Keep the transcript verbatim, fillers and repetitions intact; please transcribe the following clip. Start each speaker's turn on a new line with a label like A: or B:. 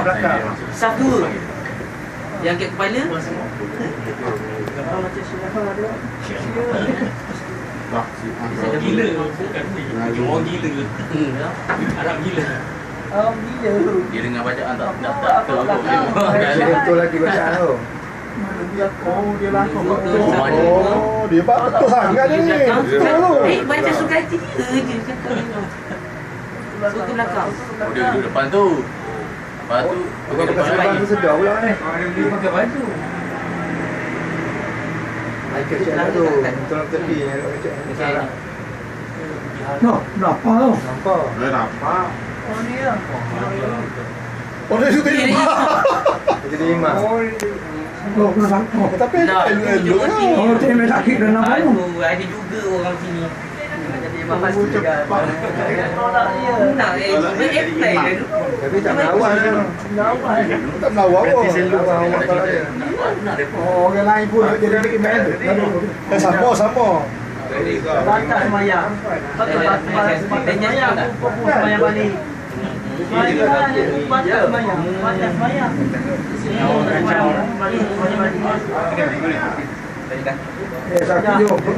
A: belakang.
B: Saf dua. Yang kat kepala.
A: Macam silahkan ada.
C: Orang gila bukan ni. Orang gila. Arab gila.
A: Oh, gila.
D: Dia dengar bacaan tak tak tak ke
A: Betul lagi bacaan tu. Oh, dia lakon betul.
E: Oh, dia pak betul sangat ni. Betul tu.
B: Eh, macam suka hati dia je cakap ni. Suka belakang.
D: Oh, dia duduk depan tu. Lepas tu
E: Bukan pakai serban tu sedar pula ni.
C: Dia pakai baju.
E: Ai kecil tu. Tolong tepi ni ada kecil. Salah.
A: No, berapa tu?
E: Nampak?
F: Dah nampak.
A: Oh, dia.
E: Oh, dia suka
B: Dia
E: imam. Jadi imam.
A: Oh, kena sangkut.
E: Tapi
B: Nah,
E: elok-elok
B: tunjuk
E: lah.
A: Oh, dia memang sakit dan nampak tu.
B: Aduh, ada juga orang sini.
A: Jadi bahas juga. Tolak dia.
B: Nak eh, dia apply dah tu.
E: Tapi tak melawan kan.
A: Lawan.
E: Tak melawan pun. Lawan awak kalau dia.
A: Oh, orang lain pun jadi imam tu.
E: Eh, sama, sama.
A: Bakat semayang. Bakat semayang. Pun semayang balik. Semayang ni bakat semayang. Bakat semayang. Semayang balik. Semayang balik. Eh, sakit jom.